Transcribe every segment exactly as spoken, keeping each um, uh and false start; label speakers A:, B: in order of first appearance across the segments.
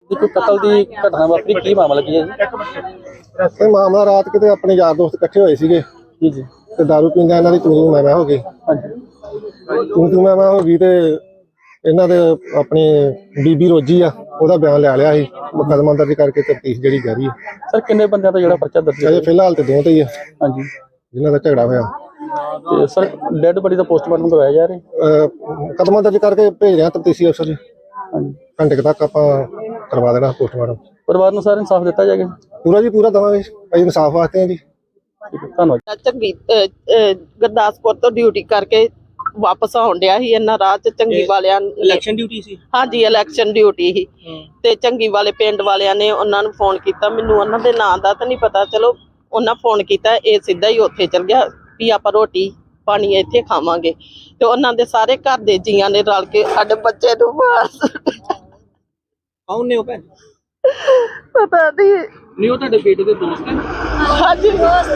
A: एक कतल की घटना वापरी की मामला की है जी?
B: ਇਹ ਮਾਮਲਾ ਰਾਤ ਕਿਤੇ ਆਪਣੇ ਯਾਰ ਦੋਸਤ ਇਕੱਠੇ ਹੋਏ ਸੀਗੇ
A: जी जी
B: ਤੇ ਦਾਰੂ ਪੀਂਦੇ ਇਹਨਾਂ ਦੀ ਤੂੰ ਮੈਂ ਮੈਂ ਹੋ ਗਈ
A: हाँ जी
B: ਤੂੰ ਤੂੰ ਮੈਂ ਮੈਂ ਹੋ ਗਈ ਤੇ ਇਹਨਾਂ ਦੇ ਆਪਣੀ ਬੀਬੀ ਰੋਜੀ ਆ ਉਹਦਾ ਬਿਆਨ ਲੈ ਲਿਆ ਸੀ ਮੁਕੱਦਮਾ ਦਰਜ ਕਰਕੇ ਤਫਤੀਸ਼ ਜਿਹੜੀ ਜਾਰੀ ਹੈ।
A: सर किन्ने बंदे का जोड़ा पर्चा दर्ज है?
B: ਅਜੇ ਫਿਲਹਾਲ ਤੇ ਦੋ ਤੇ ਹੀ ਆ
A: हाँ जी
B: ਜਿਨ੍ਹਾਂ ਦਾ ਝਗੜਾ ਹੋਇਆ।
A: ਤੇ ਸਰ ਡੈਡ ਬੋਡੀ ਦਾ ਪੋਸਟਮਾਰਟਮ ਕਰਵਾਇਆ ਜਾ ਰਿਹਾ?
B: ਮੁਕੱਦਮਾ ਦਰਜ ਕਰਕੇ ਭੇਜ ਰਿਹਾ ਤਫਤੀਸ਼ੀ ਅਫਸਰ ਜੀ।
A: ਹਾਂਜੀ
B: ਘੰਟੇ ਕੁ ਤੱਕ ਆਪਾਂ ਕਰਵਾ ਦੇਣਾ ਪੋਸਟਮਾਰਟਮ।
A: ਪਰਿਵਾਰ ਨੂੰ ਸਰ ਇਨਸਾਫ ਦਿੱਤਾ ਜਾਏਗਾ?
B: ਪੂਰਾ ਜੀ ਪੂਰਾ ਦਵਾਂਗੇ ਅਸੀਂ ਇਨਸਾਫ ਵਾਸਤੇ ਆ ਜੀ।
A: ਠੀਕ ਹੈ ਧੰਨਵਾਦ।
C: ਚੰਗੀ ਗੁਰਦਾਸਪੁਰ ਤੋਂ ਡਿਊਟੀ ਕਰਕੇ ਵਾਪਸ ਆਉਣ ਡਿਆ ਸੀ ਇਹਨਾਂ ਰਾਹ ਚ ਚੰਗੀ ਵਾਲਿਆਂ ਨੇ
A: ਇਲੈਕਸ਼ਨ ਡਿਊਟੀ ਸੀ?
C: ਹਾਂਜੀ ਇਲੈਕਸ਼ਨ ਡਿਊਟੀ ਸੀ ਤੇ ਚੰਗੀ ਵਾਲੇ ਪਿੰਡ ਵਾਲਿਆਂ ਨੇ ਉਹਨਾਂ ਨੂੰ ਫੋਨ ਕੀਤਾ। ਮੈਨੂੰ ਉਹਨਾਂ ਦੇ ਨਾਂ ਦਾ ਤਾਂ ਨਹੀਂ ਪਤਾ, ਚਲੋ ਉਹਨਾਂ ਫੋਨ ਕੀਤਾ, ਇਹ ਸਿੱਧਾ ਹੀ ਉੱਥੇ ਚਲ ਗਿਆ ਵੀ ਆਪਾਂ ਰੋਟੀ ਪਾਣੀ ਇੱਥੇ ਖਾਵਾਂਗੇ ਤੇ ਉਹਨਾਂ ਦੇ ਸਾਰੇ ਘਰ ਦੇ ਜੀਆਂ ਨੇ ਰਲ ਕੇ ਸਾਡੇ ਬੱਚੇ ਨੂੰ ਮਾਰ
A: ਕੌਣ ਨੇ ਉਹ ਭੈਣ?
C: ਪਤਾ ਨਹੀਂ
A: ਨਹੀਂ ਉਹ ਤੁਹਾਡੇ ਬੇਟੇ ਦੇ ਦੋਸਤ ਹੈ?
C: ਹਾਂਜੀ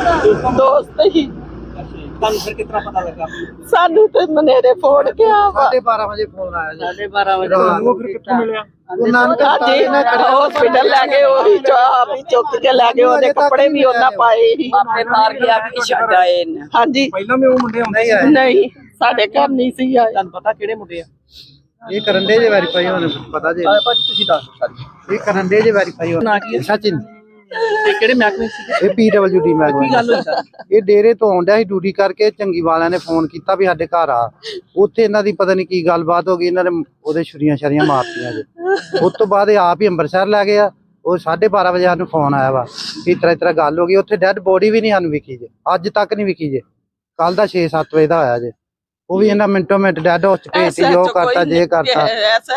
C: ਦੋਸਤ ਹੀ।
A: ਤੁਹਾਨੂੰ ਫਿਰ ਕਿਤਨਾ ਪਤਾ ਲੱਗਾ?
C: ਸਾਨੂੰ ਤੇ ਮਨੇਰੇ ਫੋਨ ਗਿਆ ਵਾ
D: ਬਾਰਾਂ ਵਜੇ ਫੋਨ ਆਇਆ ਜੀ।
C: ਸਾਢੇ ਬਾਰਾਂ ਵਜੇ
A: ਉਹ ਫਿਰ ਕਿੱਥੋਂ ਮਿਲਿਆ?
D: ਉਹ ਨਾਨਕ
C: ਹਾਂਜੀ ਹਸਪੀਟਲ ਲੈ ਗਏ, ਉਹੀ ਚਾਹ ਵੀ ਚੁੱਕ ਕੇ ਲੈ ਗਏ, ਉਹਦੇ ਕੱਪੜੇ ਵੀ ਉਹਨਾਂ ਪਾਏ ਸੀ।
E: ਆਪੇ ਮਾਰ ਕੇ ਆ ਕੇ ਛੱਡ ਆਏ ਨੇ।
C: ਹਾਂਜੀ
A: ਪਹਿਲਾਂ ਵੀ ਉਹ ਮੁੰਡੇ ਆਉਂਦੇ ਆ?
C: ਨਹੀਂ ਸਾਡੇ ਘਰ ਨਹੀਂ ਸੀ ਆਏ।
A: ਤੁਹਾਨੂੰ ਪਤਾ ਕਿਹੜੇ ਮੁੰਡੇ ਆ?
D: ਇਹ ਕਰਨ ਦੇ ਜੇ ਵੈਰੀਫਾਈ ਹੋਣੇ ਪਤਾ ਜੇ
A: ਆ ਭਾਜੀ ਤੁਸੀਂ ਦੱਸ ਸਾਰੀ।
D: ਇਹ ਕਰਨ ਦੇ ਜੇ ਵੈਰੀਫਾਈ ਹੋਣੇ।
A: ਨਾਂ ਕੀ ਹੈ?
D: ਸਚਿਨ
A: ਤੇ ਕਿਹੜੇ ਮਹਿਕਮੇ ਸੀ?
D: ਇਹ ਪੀਡਬਲਯੂ ਡੀ ਮੈਂ
A: ਕੀ ਗੱਲ ਹੋਈ ਸਰ?
D: ਇਹ ਡੇਰੇ ਤੋਂ ਆਉਂਦਾ ਸੀ ਡਿਊਟੀ ਕਰਕੇ। ਚੰਗੀ ਵਾਲਿਆਂ ਨੇ ਫੋਨ ਕੀਤਾ ਵੀ ਸਾਡੇ ਘਰ ਆ। ਉੱਥੇ ਇਹਨਾਂ ਦੀ ਪਤਾ ਨਹੀਂ ਕੀ ਗੱਲਬਾਤ ਹੋ ਗਈ, ਇਹਨਾਂ ਨੇ ਉਹਦੇ ਛੁਰੀਆਂ ਛਰੀਆਂ ਮਾਰਤੀਆਂ ਜੀ। ਉਸ ਤੋਂ ਬਾਅਦ ਇਹ ਆਪ ਹੀ ਅੰਮ੍ਰਿਤਸਰ ਲੈ ਗਿਆ। ਉਹ ਸਾਢੇ ਬਾਰਾਂ ਵਜੇ ਸਾਨੂੰ ਫੋਨ ਆਇਆ ਵਾ ਇਸ ਤਰ੍ਹਾਂ ਇਸ ਤਰ੍ਹਾਂ ਗੱਲ ਹੋ ਗਈ। ਉੱਥੇ ਡੈਡ ਬੋਡੀ ਵੀ ਨਹੀਂ ਸਾਨੂੰ ਵਿਖੀ ਜੇ, ਅੱਜ ਤੱਕ ਨਹੀਂ ਵਿਖੀ ਜੇ। ਕੱਲ ਦਾ ਛੇ ਸੱਤ ਵਜੇ ਦਾ ਹੋਇਆ ਜੇ, ਉਹ ਵੀ ਇਹਨਾਂ ਮਿੰਟੋ ਮਿੰਟ ਡੈਡ ਹਾਊਸ ਚ ਭੇਜਤੀ, ਜੋ ਕਰਤਾ ਜੇ ਕਰਤਾ।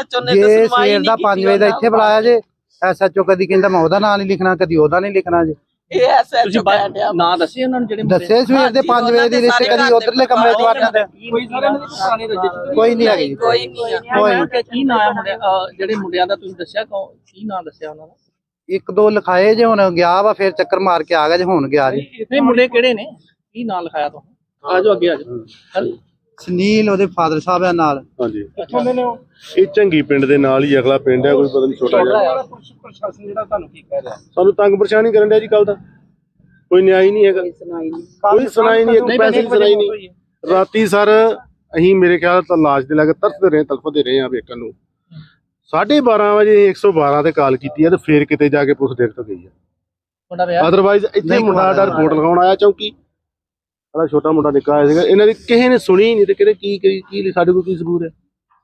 D: ਜੇ ਸਵੇਰ ਦਾ ਪੰਜ ਵਜੇ ਦਾ ਇੱਥੇ ਬੁਲਾਇਆ ਜੇ, ਐਸਐਚਓ ਕਦੀ ਕਹਿੰਦਾ ਮੈਂ ਉਹਦਾ ਨਾਂ ਨਹੀਂ ਲਿਖਣਾ, ਕਦੀ ਉਹਦਾ ਨਹੀਂ ਲਿਖਣਾ ਜੇ।
A: ਤੁਸੀਂ ਨਾਂ ਦੱਸੇ ਉਹਨਾਂ ਨੂੰ ਜਿਹੜੇ
D: ਦੱਸੇ ਸਵੇਰ ਦੇ ਪੰਜ ਵਜੇ ਦੀ ਲਿਸਟ, ਕਦੀ ਉਧਰਲੇ ਕਮਰੇ ਚ ਵੜ ਜਾਂਦੇ।
A: ਕੋਈ ਸਾਰੇ ਇਹਨਾਂ ਦੇ ਪੁਰਾਣੇ ਰਜਿਸਟਰ
D: ਕੋਈ ਨਹੀਂ ਹੈਗੀ,
C: ਕੋਈ ਨਹੀਂ ਆ।
D: ਕੋਈ ਨਹੀਂ।
A: ਕੀ ਨਾਂ ਹੈ ਮੁੰਡੇ ਜਿਹੜੇ ਮੁੰਡਿਆਂ ਦਾ ਤੁਸੀਂ ਦੱਸਿਆ, ਕੀ ਨਾਂ ਦੱਸਿਆ ਉਹਨਾਂ ਦਾ?
D: ਇੱਕ ਦੋ ਲਿਖਾਏ ਜੇ, ਹੁਣ ਗਿਆ ਵਾ ਫਿਰ ਚੱਕਰ ਮਾਰ ਕੇ ਆ ਗਿਆ ਜੇ, ਹੁਣ ਗਿਆ ਜੀ।
A: ਨਹੀਂ ਮੁੰਡੇ ਕਿਹੜੇ ਨੇ, ਕੀ ਨਾਂ ਲਿਖਾਇਆ ਤੁਹਾਨੂੰ? ਆਜੋ ਅੱਗੇ ਆਜੋ।
D: ਸੁਨੀਲ ਉਹਦੇ ਫਾਦਰ ਸਾਹਿਬ ਆ ਨਾਲ।
F: ਹਾਂਜੀ
A: ਕਿੱਥੋਂ ਦੇ ਨੇ ਉਹ?
F: ਇਹ ਚੰਗੀ ਪਿੰਡ ਦੇ ਨਾਲ ਹੀ ਅਗਲਾ ਪਿੰਡ ਹੈ, ਕੋਈ ਪਤਾ ਨਹੀਂ ਛੋਟਾ ਜਿਹਾ।
A: ਪ੍ਰਸ਼ਾਸਨ ਜਿਹੜਾ ਤੁਹਾਨੂੰ ਕੀ ਕਹਿ ਰਿਹਾ?
F: ਸਾਨੂੰ ਤੰਗ ਪਰੇਸ਼ਾਨੀ ਕਰਨ ਡਿਆ ਜੀ। ਕੱਲ ਦਾ ਕੋਈ ਨਿਆਂ ਹੀ ਨਹੀਂ ਹੈਗਾ, ਕੋਈ ਸੁਣਾਈ ਨਹੀਂ, ਇੱਕ ਪੈਸੇ ਦੀ ਸੁਣਾਈ ਨਹੀਂ। ਰਾਤੀ ਸਰ ਅਸੀਂ ਮੇਰੇ ਖਿਆਲ ਤਾਂ ਲਾਸ਼ ਦੇ ਲੱਗ ਤਰਸਦੇ ਰਹੇ, ਤੜਫਦੇ ਰਹੇ ਆ ਵੇਖਣ ਨੂੰ। ਸਾਢੇ ਬਾਰਾਂ ਵਜੇ ਇੱਕ ਸੌ ਬਾਰਾਂ ਤੇ ਕਾਲ ਕੀਤੀ ਹੈ ਤੇ ਫੇਰ ਕਿਤੇ ਜਾ ਕੇ ਪੁਲਿਸ ਦੇਖ ਤੋਂ ਗਈ ਹੈ।
A: ਮੁੰਡਾ ਵਿਆਹ?
F: ਅਦਰਵਾਈਜ਼ ਇੱਥੇ ਮੁੰਡਾ ਦਾ ਰਿਪੋਰਟ ਲਗਾਉਣ ਆਇਆ ਚੌਂਕੀ, ਸਾਡਾ ਛੋਟਾ ਮੁੰਡਾ ਨਿੱਕਾ ਆਇਆ ਸੀਗਾ। ਇਹਨਾਂ ਦੀ ਕਿਸੇ ਨੇ ਸੁਣੀ ਨਹੀਂ ਤੇ ਕਿਹੜੇ ਕੀ ਕੀ ਸਾਡੇ ਕੋਲ ਕੀ ਸਬੂਤ ਹੈ?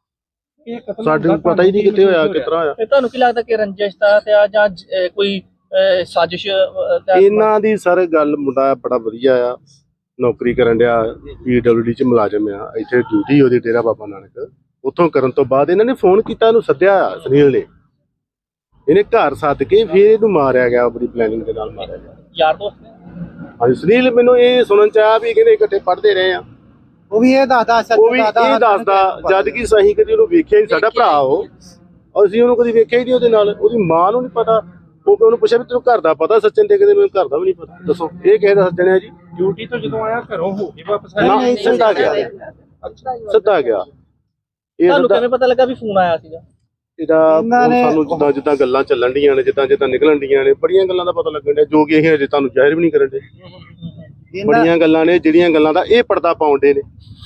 A: ਇਹ ਕਤਲ
F: ਸਾਡੇ ਨੂੰ ਪਤਾ ਹੀ ਨਹੀਂ ਕਿੱਥੇ ਹੋਇਆ, ਕਿਸ ਤਰ੍ਹਾਂ ਹੋਇਆ।
A: ਤੇ ਤੁਹਾਨੂੰ ਕੀ ਲੱਗਦਾ ਕਿ ਰੰਜਿਸ਼ ਦਾ ਤੇ ਆ ਜਾਂ ਜ- ਕੋਈ ਅਹ, ਸਾਜ਼ਿਸ਼ ਅਹ, ਤਹਿਤ-
F: ਇਹਨਾਂ ਦੀ ਸਰ ਗੱਲ, ਮੁੰਡਾ ਬੜਾ ਵਧੀਆ ਆ, ਨੌਕਰੀ ਕਰਨ ਡਿਆ, ਪੀਡਬਲਯੂਡੀ ਚ ਮੁਲਾਜ਼ਮ ਆ। ਇੱਥੇ ਡਿਊਟੀ ਉਹਦੀ ਡੇਰਾ ਬਾਬਾ ਨਾਨਕ। ਉੱਥੋਂ ਕਰਨ ਤੋਂ ਬਾਅਦ ਇਹਨਾਂ ਨੇ ਫੋਨ ਕੀਤਾ, ਇਹਨੂੰ ਸੱਦਿਆ ਸੁਨੀਲ ਨੇ। ਇਹਨੇ ਘਰ ਸੱਦ ਕੇ ਫਿਰ ਇਹਨੂੰ ਮਾਰਿਆ ਗਿਆ, ਬੜੀ ਪਲੈਨਿੰਗ ਦੇ ਨਾਲ ਮਾਰਿਆ ਗਿਆ।
A: ਯਾਰ ਦੋਸਤ ਨੇ?
F: ਹਾਂਜੀ ਸੁਨੀਲ ਮੈਨੂੰ ਇਹ ਸੁਣਨ ਚ ਆਇਆ ਵੀ ਕਹਿੰਦੇ ਇਕੱਠੇ ਪੜ੍ਹਦੇ ਰਹੇ ਆ।
D: ਉਹ ਵੀ ਇਹ ਦੱਸਦਾ
F: ਉਹ ਵੀ ਇਹ ਦੱਸਦਾ, ਜਦ ਕਿ ਸਹੀ ਕਦੀ ਉਹਨੂੰ ਵੇਖਿਆ ਹੀ, ਸਾਡਾ ਭਰਾ ਉਹ, ਅਸੀਂ ਉਹਨੂੰ ਕਦੀ ਵੇਖਿਆ ਹੀ ਨਹੀਂ। ਉਹਦੇ ਨਾਲ ਉਹਦੀ ਮਾਂ ਨੂੰ ਨਹੀਂ ਪਤਾ। ਉਹ ਉਹਨੂੰ ਪੁੱਛਿਆ ਵੀ ਤੈਨੂੰ ਘਰ ਦਾ ਪਤਾ? ਸੱਚਨ ਤੇ ਕਹਿੰਦੇ ਮੈਨੂੰ ਘਰ ਦਾ ਵੀ ਨਹੀਂ ਪਤਾ। ਦੱਸੋ ਇਹ ਕਿਸੇ ਦਾ ਸੱਜਣ ਹੈ ਜੀ?
A: ਡਿਊਟੀ ਤੋਂ ਜਦੋਂ ਆਇਆ ਘਰੋਂ ਹੋ ਕੇ ਵਾਪਸ
F: ਨਾ ਸਿੱਧਾ ਗਿਆ, ਸਿੱਧਾ ਗਿਆ। ਇਹ
A: ਤੁਹਾਨੂੰ
F: ਸਿੱਧਾ
A: ਕਿਵੇਂ ਪਤਾ ਲੱਗਾ ਵੀ ਫੋਨ ਆਇਆ ਸੀਗਾ?
F: ਇਹਦਾ ਸਾਨੂੰ ਜਿੱਦਾਂ ਜਿੱਦਾਂ ਗੱਲਾਂ ਚੱਲਣ ਡੀਆਂ ਨੇ, ਜਿੱਦਾਂ ਜਿੱਦਾਂ ਨਿਕਲਣ ਡੀਆਂ ਨੇ, ਬੜੀਆਂ ਗੱਲਾਂ ਦਾ ਪਤਾ ਲੱਗਣ ਡਿਆ, ਜੋ ਕਿ ਇਹ ਅਜੇ ਤੁਹਾਨੂੰ ਜ਼ਾਹਿਰ ਵੀ ਨਹੀਂ ਕਰਨ ਡੇ। ਬੜੀਆਂ ਗੱਲਾਂ ਨੇ ਜਿਹੜੀਆਂ ਗੱਲਾਂ ਦਾ ਇਹ ਪਰਦਾ ਪਾਉਂਦੇ ਨੇ।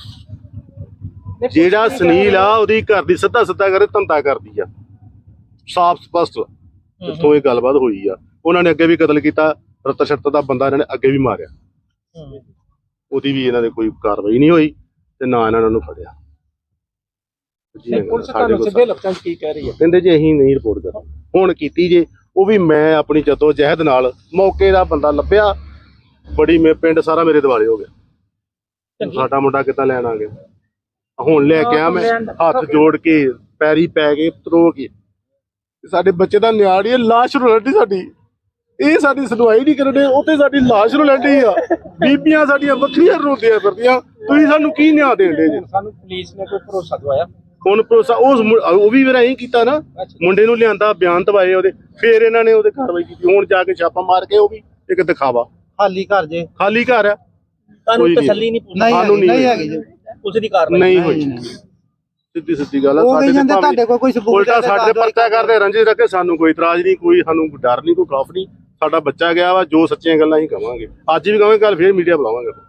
F: ਜਿਹੜਾ ਸੁਨੀਲ ਆ ਉਹਦੀ ਘਰ ਦੀ ਸਿੱਧਾ ਸਿੱਧਾ ਕਰੇ ਧੰਦਾ ਕਰਦੀ ਆ, ਸਾਫ਼ ਸਪਸ਼ਟ ਜਿੱਥੋਂ ਇਹ ਗੱਲਬਾਤ ਹੋਈ ਆ। ਉਹਨਾਂ ਨੇ ਅੱਗੇ ਵੀ ਕਤਲ ਕੀਤਾ, ਰਤ ਸ਼ਰਤ ਦਾ ਬੰਦਾ ਇਹਨਾਂ ਨੇ ਅੱਗੇ ਵੀ ਮਾਰਿਆ, ਉਹਦੀ ਵੀ ਇਹਨਾਂ ਦੇ ਕੋਈ ਕਾਰਵਾਈ ਨਹੀਂ ਹੋਈ ਤੇ ਨਾ ਇਹਨਾਂ ਨੂੰ ਫੜਿਆ।
A: ਪੁਲਿਸ ਤੁਹਾਨੂੰ ਸਿੱਧੇ ਲਫ਼ਜ਼ਾਂ 'ਚ ਕੀ ਕਹਿ ਰਹੀ ਹੈ?
F: ਕਹਿੰਦੇ ਜੀ ਅਸੀਂ ਨਹੀਂ ਰਿਪੋਰਟ ਕਰਨੀ। ਹੁਣ ਕੀਤੀ ਜੇ, ਉਹ ਵੀ ਮੈਂ ਆਪਣੀ ਜੱਦੋ ਜਹਿਦ ਨਾਲ ਮੌਕੇ ਦਾ ਬੰਦਾ ਲੱਭਿਆ। ਬੜੀ ਮੇ ਪਿੰਡ ਸਾਰਾ ਮੇਰੇ ਦਿਵਾਲੇ ਹੋ ਗਿਆ। ਸਾਡਾ ਮੁੰਡਾ ਕਿੱਦਾਂ ਲੈਣ ਆ ਗਿਆ? ਹੁਣ ਲੈ ਕੇ ਆ ਮੈਂ ਹੱਥ ਜੋੜ ਕੇ ਪੈਰੀ ਪੈ ਕੇ ਤਰੋ ਕੇ। ਸਾਡੇ ਬੱਚੇ ਦਾ ਨਿਆੜੀ ਹੈ, ਲਾਸ਼ ਰੋਲਦੀ ਸਾਡੀ। ਇਹ ਸਾਡੀ ਸੁਣਵਾਈ ਨਹੀਂ ਕਰਦੇ, ਉੱਥੇ ਸਾਡੀ ਲਾਸ਼ ਰੋਲਦੀ ਆ। ਬੀਬੀਆਂ ਸਾਡੀਆਂ ਵੱਖਰੀਆਂ ਰੋਂਦੀਆਂ ਫਿਰਦੀਆਂ। ਤੁਸੀਂ ਸਾਨੂੰ ਕੀ ਨਿਆਂ ਦੇਂਦੇ ਜੀ?
A: ਸਾਨੂੰ ਪੁਲਿਸ ਨੇ ਕੋਈ ਭਰੋਸਾ ਦਵਾਇਆ?
F: ਹੁਣ ਭਰੋਸਾ ਉਸ ਉਹ ਵੀ ਮੇਰਾ ਇਹੀ ਕੀਤਾ ਨਾ, ਮੁੰਡੇ ਨੂੰ ਲਿਆਂਦਾ, ਬਿਆਨ ਦਵਾਏ ਉਹਦੇ, ਫਿਰ ਇਹਨਾਂ ਨੇ ਉਹਦੇ ਕਾਰਵਾਈ ਕੀਤੀ। ਹੁਣ ਜਾ ਕੇ ਛਾਪਾ ਮਾਰ ਕੇ ਉਹ ਵੀ ਇੱਕ ਦਿਖਾਵਾ,
D: ਖਾਲੀ ਘਰ ਜੇ,
F: ਖਾਲੀ ਘਰ ਆ।
A: ਤੁਹਾਨੂੰ ਤਸੱਲੀ ਨਹੀਂ?
F: ਸਾਨੂੰ
D: ਨਹੀਂ ਹੈਗੀ ਜੀ,
A: ਪੁਲਿਸ ਦੀ ਕਾਰਵਾਈ
F: ਨਹੀਂ ਹੋਈ। ਸਿੱਧੀ ਸਿੱਧੀ ਗੱਲ ਆ
D: ਉਹ ਕਹੀ
F: ਤੇ
D: ਜਾਂਦੇ
F: ਭਾਵੇਂ
D: ਤੁਹਾਡੇ ਕੋਲ ਕੋਈ ਸਬੂਤ
F: ਉਲਟਾ
D: ਹੈ ਤੇ
F: ਸਾਡੇ
D: ਦੱਸ ਦਿਓ
F: ਪਰਚਾ ਕਰਦੇ ਰੰਜਿਸ਼ ਰੱਖੇ, ਸਾਨੂੰ ਕੋਈ ਇਤਰਾਜ਼ ਨਹੀਂ, ਕੋਈ ਸਾਨੂੰ ਡਰ ਨਹੀਂ, ਕੋਈ ਖੌਫ ਨਹੀਂ। ਸਾਡਾ ਬੱਚਾ ਗਿਆ ਵਾ, ਜੋ ਸੱਚੀਆਂ ਗੱਲਾਂ ਹੀ ਕਵਾਂਗੇ, ਅੱਜ ਵੀ ਕਹਾਂਗੇ, ਕੱਲ ਫੇਰ ਮੀਡੀਆ ਬੁਲਾਵਾਂਗੇ।